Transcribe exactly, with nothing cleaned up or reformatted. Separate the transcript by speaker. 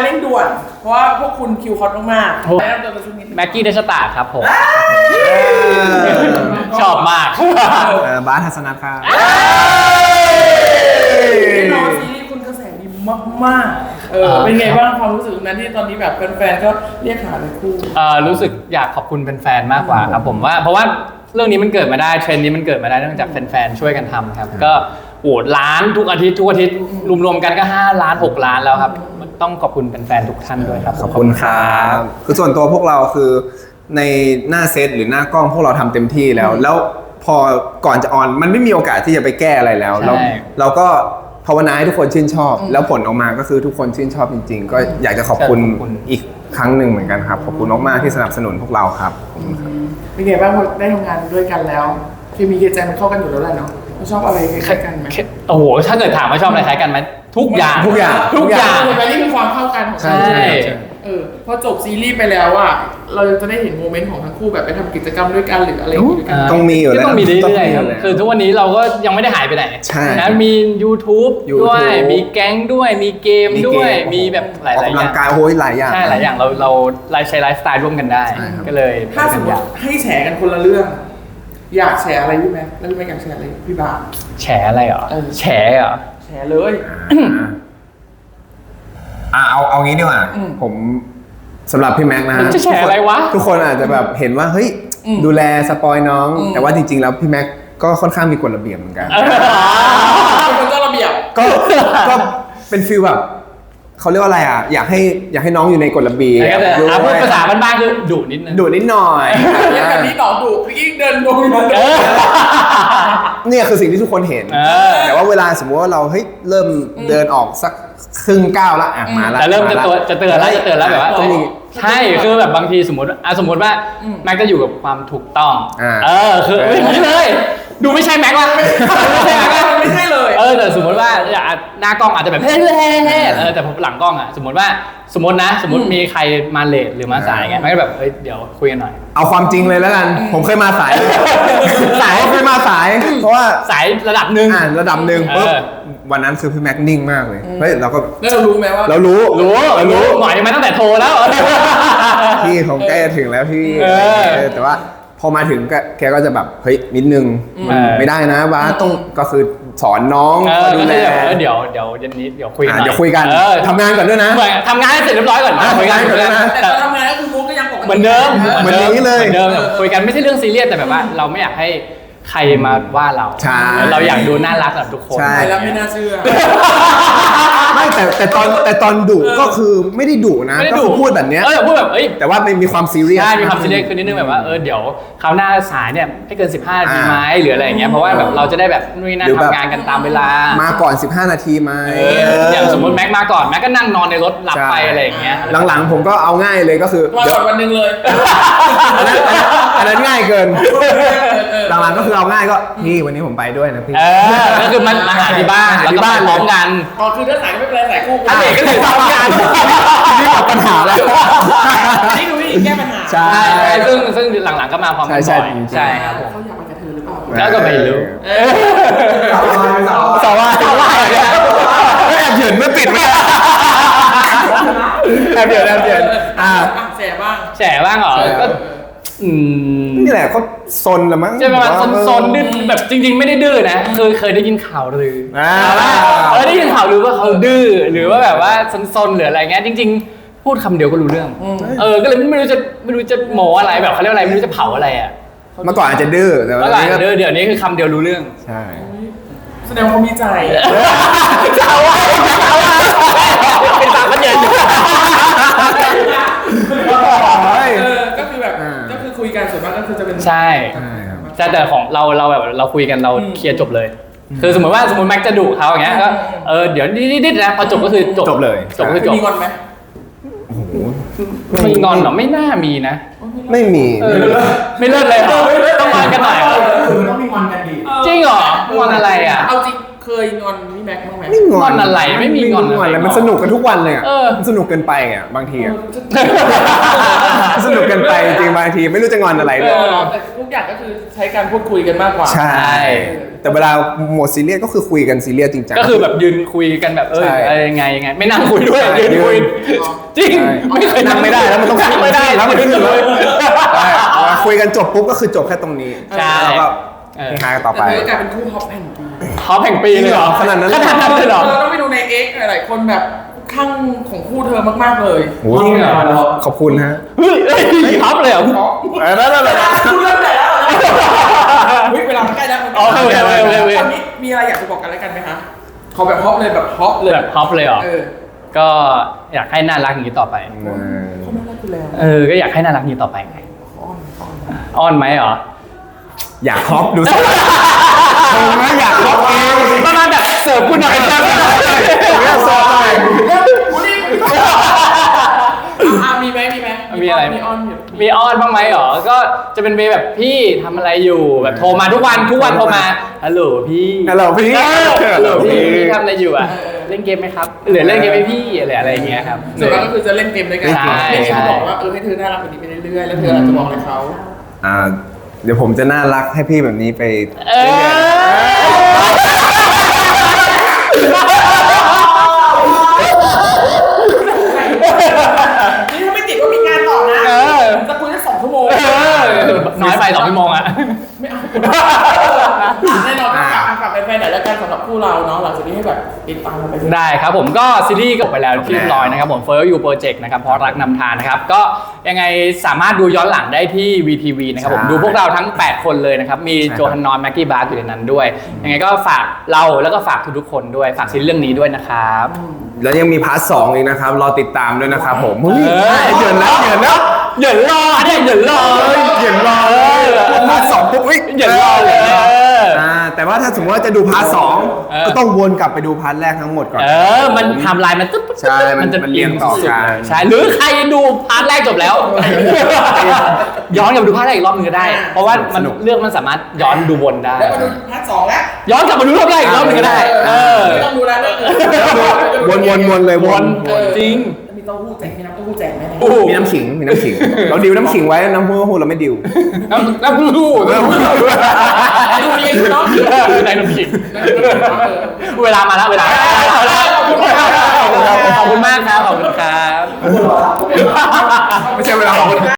Speaker 1: เร่งด่วนเพราะว่าพวกคุณคิวคอตมากๆแนะนำตัวกันสักนิด
Speaker 2: แม็กกี้เดชตาครับผมชอบมาก
Speaker 3: บาสทัศนัทครับ
Speaker 1: แน่นอนซีรีส์คุณกระแสดีมากๆเออเป็นไงบ้างความรู้สึกนั้นที่ตอนนี้แบบแฟนๆก็เรียกหาเลยคู่
Speaker 2: เออรู้สึกอยากขอบคุณแฟนๆมากกว่าครับผมว่าเพราะว่าเรื่องนี้มันเกิดมาได้เทรนด์นี้มันเกิดมาได้เนื่องจากแฟนๆช่วยกันทำครับก็โหวตล้านทุกอาทิตย์ทุกอาทิตย์รวมๆกันก็ห้าล้านหกล้านแล้วครับต้องขอบคุณแฟนๆทุกท่านด้วยครับ
Speaker 3: ขอบคุณครับคือส่วนตัวพวกเราคือในหน้าเซตหรือหน้ากล้องพวกเราทำเต็มที่แล้วแล้วพอก่อนจะออนมันไม่มีโอกาสที่จะไปแก้อะไรแล้วเราเราก็ภาวนาให้ทุกคนชื่นชอบแล้วผลออกมาก็คือทุกคนชื่นชอบจริงๆก็อยากจะขอบคุณอีกครั้งหนึ่งเหมือนกันครับขอบคุณมากๆที่สนับสนุนพวกเราครับ
Speaker 1: เป็นไงบ้างพอได้ทำงานด้วยกันแล้วเคมีเคใจมันเข้ากันอยู่แล้วแหละเนาะชอบอะไรคล้ายกันไหม
Speaker 2: โอ้โหถ้าเกิดถามว่าชอบอะไรคล้ายกันไหมทุกอย่าง
Speaker 3: ทุกอย่าง
Speaker 2: ทุกอย่าง
Speaker 1: แต่นี่คือความเข้ากันของ
Speaker 2: ใช่
Speaker 1: เออพอจบซีรีส์ไปแล้วอ่ะเราจะได้เห็นโมเมนต์ของทั้งคู่แบบไปทำกิจกรรมด้วยกันหรืออะไรอย่างงี้ด้วยกัน
Speaker 3: ต้องมีอยู่แล้ว
Speaker 2: ต้องมีเรื่อยๆครับคือทุกวันนี้เราก็ยังไม่ได้หายไปไหนนะมี YouTube ด้วยมีแก๊งด้วยมีเกมด้วยมีแบบหลายๆอย่าง
Speaker 3: กำลังกายโอ้ยหลายอย่าง
Speaker 2: ใช่หลายอย่างเราเราไลฟ์ใช้ไลฟ์สไตล์ร่วมกันได้ก็เลย
Speaker 1: ถ้าสมมติให้แชร์กันคนละเรื่องอยากแชร์อะไรพี่แม็กแล้วพี่แม็กอยากแชร์อะไรพี่บาส
Speaker 2: แชร์อะไรเหรอแชร์เหรอ
Speaker 1: แชร์เลย
Speaker 3: อ่าเอาเอางี้ดีกว่าผมสำหรับพี่แม็กนะ
Speaker 2: จะแชร์อะไรวะ
Speaker 3: ทุกคนอาจจะแบบเห็นว่าเฮ้ยดูแลสปอยน้องแต่ว่าจริงๆแล้วพี่แม็กก็ค่อนข้างมีกฎระเบียบเหมือนกัน
Speaker 1: เป็นเจ้าระเบียบ
Speaker 3: ก็ก็เป็นฟีลแบบเขาเรียกว่าอะไรอ่ะอยากให้อยากให้น้องอยู่ในกฎระเบียบ
Speaker 2: พูดภาษาบ้านๆคือดุนิดนึง
Speaker 3: ดุนิดหน่อย
Speaker 1: อย่างแบบนี้ต่อดุพี่ยิ่งเดินลง
Speaker 3: เนี่ยคือสิ่งที่ทุกคนเห็นแต่ว่าเวลาสมมติว่าเราเฮ้ยเริ่มเดินออกสักครึ่งก้าวละอ่ะมาละ
Speaker 2: แต่เริ่มจะตัวจะเตือนแล้วจะเตือนแล้วแบบว่าใช่คือแบบบางทีสมมติอ่ะสมมติว่าแม็กจะอยู่กับความถูกต้องเออคือไม่เลยดูไม่ใช่แม็กว่ะไม่ใช่แม็กว่ะ
Speaker 1: ไม่ใช่เลย
Speaker 2: เออแต่สมมติว่าหน้ากล้องอาจจะแบบเฮ้ยเฮ้ยเฮ้ยเออแต่หลังกล้องอ่ะสมมติว่าสมมตินะสมมติมีใครมาเลทหรือมาสายไงมันก็แบบเฮ้ยเดี๋ยวคุยกันหน่อย
Speaker 3: เอาความจริงเลยแล้วกันผมเคยมาสายสายเคยมาสายเพราะว่า
Speaker 2: สายระดับหนึ่ง
Speaker 3: อ่าระดับหนึ่งปุ๊บวันนั้นคือพี่แม็กนิ่งมากเลยเฮ้ยเราก็
Speaker 1: แล้วเรารู้ไหมว่า
Speaker 3: เรารู้
Speaker 2: รู้เรารู้หมายมาตั้งแต่โทรแล้ว
Speaker 3: พี่ผมใกล้จะถึงแล้วพี่แต่ว่าพอมาถึงแกก็จะแบบเฮ้ยนิดนึงไม่ได้นะว่าต้องก็คือสอนน้อง
Speaker 2: ดูแลเดี๋ยวเดี๋ยวเย็นนี้เดี๋ยวคุยกัน
Speaker 3: เดี๋ยวคุยกันทำงานก่อนด้วยนะ
Speaker 2: ทำงานให้เสร็จเรียบร้อยก่อน
Speaker 3: คุยกันก่อนนะ
Speaker 1: แต่ทำงานก็คือมุกก็ยังปกติ
Speaker 2: เหมือนเดิม
Speaker 3: เหมือนนี้เลย
Speaker 2: เหมือนเดิมคุยกันไม่ใช่เรื่องซีเรียสแต่แบบว่าเราไม่อยากให้ใครมาว่าเราเราอยากดูน่ารักกับทุกคน
Speaker 1: ใช่แล้วไม่น่าเชื่อ
Speaker 3: ไม่แต่แต่ตอนแต่ตอนดุก็คือไม่ได้ดุนะก็คือพูดแบบเนี้ย
Speaker 2: เออพูดแบบเอ้ย
Speaker 3: แต่ว่ามีความซีเรียส
Speaker 2: ใช่มีความซีเรียสคือนิดนึงแบบว่าเออเดี๋ยวคราวหน้าสายเนี่ยให้เกินสิบห้านาทีไหมหรืออะไรอย่างเงี้ยเพราะว่าแบบเราจะได้แบบนู่นนั่นทำงานกันตามเวลา
Speaker 3: มาก่อนสิบห้านาทีไหม
Speaker 2: อย่างสมมติแม็กมาก่อนแม็กก็นั่งนอนในรถหลับไปอะไรอย่างเงี้ย
Speaker 3: หลังๆผมก็เอาง่ายเลยก็คือ
Speaker 1: มาก่อนวันนึงเลย
Speaker 3: อันนั้นง่ายเกินหลังๆก็คือเอาง่ายก็พี่วันนี้ผมไปด้วยนะพี่
Speaker 2: ก็คือมันมาหาที่บ้านแล้วก็พร้อมกัน
Speaker 1: อ๋อคือถ้าสายก็ไม่เป็นไรสายคู่
Speaker 2: อันนี้ก็คือพร้อมกัน
Speaker 3: นี่หมดปัญหาแล้ว
Speaker 1: นี่ดูวิธีแก้ปัญหา
Speaker 3: ใช่
Speaker 2: ซึ่งซึ่งหลังๆก็มาพร้อมกันบ่อยใช่ครับผม
Speaker 1: เขาอยากไปกับเธอหรือเปล่า
Speaker 2: แล้วก็ไม่รู้
Speaker 3: สาวว่าสาวว่าแอบเหยินไม่ปิดไม่แอบเหยินแอบเหยินอ่า
Speaker 1: แฉบ้าง
Speaker 2: แฉบ้างเหรอก็
Speaker 3: นี่แหละเขาซนละมั้ง
Speaker 2: ใช่ประมาณซนๆดื้อแบบจริงๆไม่ได้ดื้อนะคือเคยได้ยินข่าวลือเออได้ยินข่าวลือว่าเขาดื้อหรือว่าแบบว่าซนๆหรืออะไรเงี้ยจริงๆพูดคำเดียวก็รู้เรื่องเออก็เลยไม่รู้จะไม่รู้จะโมอะไรแบบเขาเรียกอะไรไม่รู้จะเผาอะไรอ่ะ
Speaker 3: เมื่อก่อนอาจจะดื้อแต่ว่า
Speaker 2: เดี๋ยวนี้คือคำเดียวรู้เรื่อง
Speaker 3: ใช่
Speaker 1: แสดงว่ามีใจ
Speaker 2: เจ้าว่าเจ้าว่าเป็นตาพันเย็น
Speaker 1: ก็คือแบบก็คือคุยกันส่วนมากก็คือจะเป็น
Speaker 2: ใช่ใช่แต่ของเราเราแบบเราคุยกันเราเคลียร์จบเลยคือสมมติว่าสมมติแม็กจะดุเขาอย่างเงี้ยก็เออเดี๋ยวนิดๆนะพอจบก็คือจบ
Speaker 3: จบเลย
Speaker 2: จบก็คือจบ
Speaker 1: มีงอนไหม
Speaker 2: มีงอนหรอไม่น่ามีนะ
Speaker 3: ไม่มี
Speaker 2: ไม่เลิศเลยต้องงอนกันหน่อย
Speaker 1: ต้องมีงอนกันดี
Speaker 2: จริงเหรองอนอะไรอ่ะ
Speaker 1: เอาจริงเคยงอนพี่แม็กซ์บ้างไหม
Speaker 3: ไม่งอน
Speaker 2: งอนอะไรไม่มีงอนอะไร
Speaker 3: อะไรมันสนุกกันทุกวันเลยอะ
Speaker 2: เออ
Speaker 3: มันสนุกเกินไปอ่ะบางทีอะสนุกเกินไปจริงๆบางทีไม่รู้จะงอนอะไร
Speaker 1: เอ
Speaker 3: เลย
Speaker 1: อแต่ทุกอย่างก็คือใช้การพูดคุยกันมากกว่า
Speaker 3: ใช่ แต่เวลาโหมดซีเรียสก็คือคุยกันซีเรียสจริงจัง
Speaker 2: ก็คือแบบยืนคุยกันแบบเออ
Speaker 3: ใช่
Speaker 2: อะไรยังไงยังไง ไม่นั่งคุยด้วย
Speaker 3: ใช่
Speaker 2: ยืนคุย
Speaker 3: ยืน
Speaker 2: จริง
Speaker 3: ใช่
Speaker 2: ไม่เคย
Speaker 3: นั่งไม่ได้แล้วมันต้อง
Speaker 2: นั่งไม่ได้
Speaker 3: แล้วมัน
Speaker 2: ยืน
Speaker 3: ขึ้น
Speaker 2: เล
Speaker 3: เลย ยใช่เวลาคุยกันจบปุ๊บก็คือจบแค่ตรงนี้
Speaker 2: ใช่
Speaker 3: แล้วก็
Speaker 2: เออ
Speaker 3: หากันต่อ
Speaker 1: แต่
Speaker 3: ไป
Speaker 1: เธอกลายเป็นคู่ฮอปแห่งปี
Speaker 2: ฮอปแห่งปีเลยเหรอ
Speaker 3: ขนาดนั้น
Speaker 2: ขนาดนั้นเลยเหรอ
Speaker 1: เราต้องไปดูใน X หลายๆคนแบบข้างของคู่เธอมากๆเลย
Speaker 3: โอ้
Speaker 2: จริงเหรอ
Speaker 3: ขอบคุณฮะ
Speaker 2: เฮ้ยเฮ้ยฮอปเลยเหรอ
Speaker 3: เออนั่นแหละ
Speaker 1: คุณเริ่มไหนแล้วเฮ้ยเวลามันใกล้แล้วมัน
Speaker 2: อ๋อโอเคโอเคโอเคโอเค
Speaker 1: ตอนนี้มีอะไรอยากจะบอกกันแล้วกันไหมคะขอแบบฮอปเลยแบบฮอปเลย
Speaker 2: แบบฮอปเลยเหรอ
Speaker 1: เออ
Speaker 2: ก็อยากให้น่ารักอย่างนี้ต่อไป
Speaker 1: เขาไม่รักคุณแล้ว
Speaker 2: เออ ก็อยากให้น่ารักอย่างนี้ต่อไปไง
Speaker 1: อ้อนอ้อน
Speaker 2: อ้อนไหมเหรอ
Speaker 3: อยากฮอปดูสิเออไม่อยากฮอปเอง
Speaker 2: ประมาณแบบเสิร์ฟคุณหน่อยเสิร์ฟคุณหน่อย
Speaker 3: ไม่อยากเสิร์ฟหน่อย
Speaker 1: อ่ะมีไหมมีไหม
Speaker 2: มีอะไร
Speaker 1: มีอ้อนอยู่
Speaker 2: มีอ้อนบ้างไหมเหรอ ก็จะเป็นเวย์แบบพี่ทำอะไรอยู่แบบโทรมาทุกวันทุกวันโทรมาฮัลโหลพี่
Speaker 3: ฮัลโหลพี่
Speaker 2: เออฮัลโหลพี่
Speaker 3: พี่
Speaker 2: พี่ทำอะไรอยู่อ่ะเล่นเกมไหมครับหรือเล่นเกมไหมพี่อะไรอะไรอย่างเงี้ยครับ
Speaker 1: ส่วนมากก็คือจะเล่นเกมด้วยกัน
Speaker 2: ใช่
Speaker 1: ไม่ใช่
Speaker 2: ใช่
Speaker 1: บอกว่าเออให้เธอน่ารักแบบนี้ไปเรื่อยๆแล้วเธออาจจะบอกอะไรเขา
Speaker 3: อ่าเดี๋ยวผมจะน่ารักให้พี่แบบนี้ไป
Speaker 2: เออ
Speaker 1: นี่ถ้าไม่ติดว่ามีงานต่อนะ
Speaker 2: เออ
Speaker 1: จะคุยได้สองชั่วโมง
Speaker 2: เออน้อยไปสองชั่วโมงอ่ะ
Speaker 1: ไม่เอาแน่นอนฝากฝากแฟนๆหน่อยแล้วกันสำหรับคู่เราเนาะหลังจากนี้ให้แบบติดตามเราไปด้วย
Speaker 2: ได้ครับผมก็ซีรีส์จบไปแล้วที่เรียบร้อยนะครับผม Forever You Project นะครับเพราะรักนำทางนะครับก็ยังไงสามารถดูย้อนหลังได้ที่ วี ที วี นะครับผม
Speaker 3: ใช่
Speaker 2: ดูพวกเราทั้ง แปด คนเลยนะครับ มี
Speaker 3: ใช่ครับ
Speaker 2: โจฮันนอนแม็กกี้บาร์อยู่ในนั้นด้วย ยังไงก็ฝากเราแล้วก็ฝากทุกๆคนด้วย ฝากซีรีส์เรื่องนี้ด้วยนะครับ
Speaker 3: แล้วยังมีพาร์ทสองอีกนะครับ รอติดตามด้วยนะครับผมเฮ้ย
Speaker 2: เออ
Speaker 3: เหยินแล้วเหยินแล้ว
Speaker 2: เหยินรอเนี่ยเหยินรอ
Speaker 3: เหยินรอเลยพาร์ทสองปุ๊บเฮ้ย
Speaker 2: เหยินรอเลยเออ
Speaker 3: อ่าแต่ว่าถ้าสมมติว่าจะดูพาร์ทสอง
Speaker 2: เออ
Speaker 3: ก็ต้องวนกลับไปดูพาร์ทแรกทั้งหมดก่อน
Speaker 2: เออ มันไทำลายมันตึ๊บตึ๊บ
Speaker 3: ใช่มัน
Speaker 2: จะ
Speaker 3: มันเรียงต่อกัน
Speaker 2: ใช่ หรือใครดูพาร์ทแรกจบแล้ว ย้อนกลับมาดูพาร์ทแรกอีกรอบหนึงก็ได้ เพราะว่ามัน
Speaker 3: สนุก
Speaker 2: เรื่องมันสามารถย้อนดูวนได้
Speaker 1: แล้วมาดูพาร์ทสองแล้ว
Speaker 2: ย้อนกลับมาดูรอบแรกอีกรอบหนึงก็ได้ เออ
Speaker 1: ไม่ต้องดูแล้วเรื่องอื่น
Speaker 3: วนวนวนเลย
Speaker 2: ว
Speaker 3: วน น
Speaker 1: เออ
Speaker 2: จริง
Speaker 1: มีเต้าหู้แจกมีน้ำเต้าหู้แจกไหมเนี่ย
Speaker 2: โอ้โห
Speaker 3: มีน้ำขิงมีน้ำขิง เราดิวน้ำขิงไว้น้ำพุน้ำพุเราไม่ดิว
Speaker 2: น้ำน้ำรู้
Speaker 1: ดูมีไอ้น้อง
Speaker 2: ในน้ำขิง
Speaker 1: เออ
Speaker 2: เวลามาแล้วเวลาขอบคุณมากครับขอบคุณครับ
Speaker 3: ไม่ใช่เวลาของ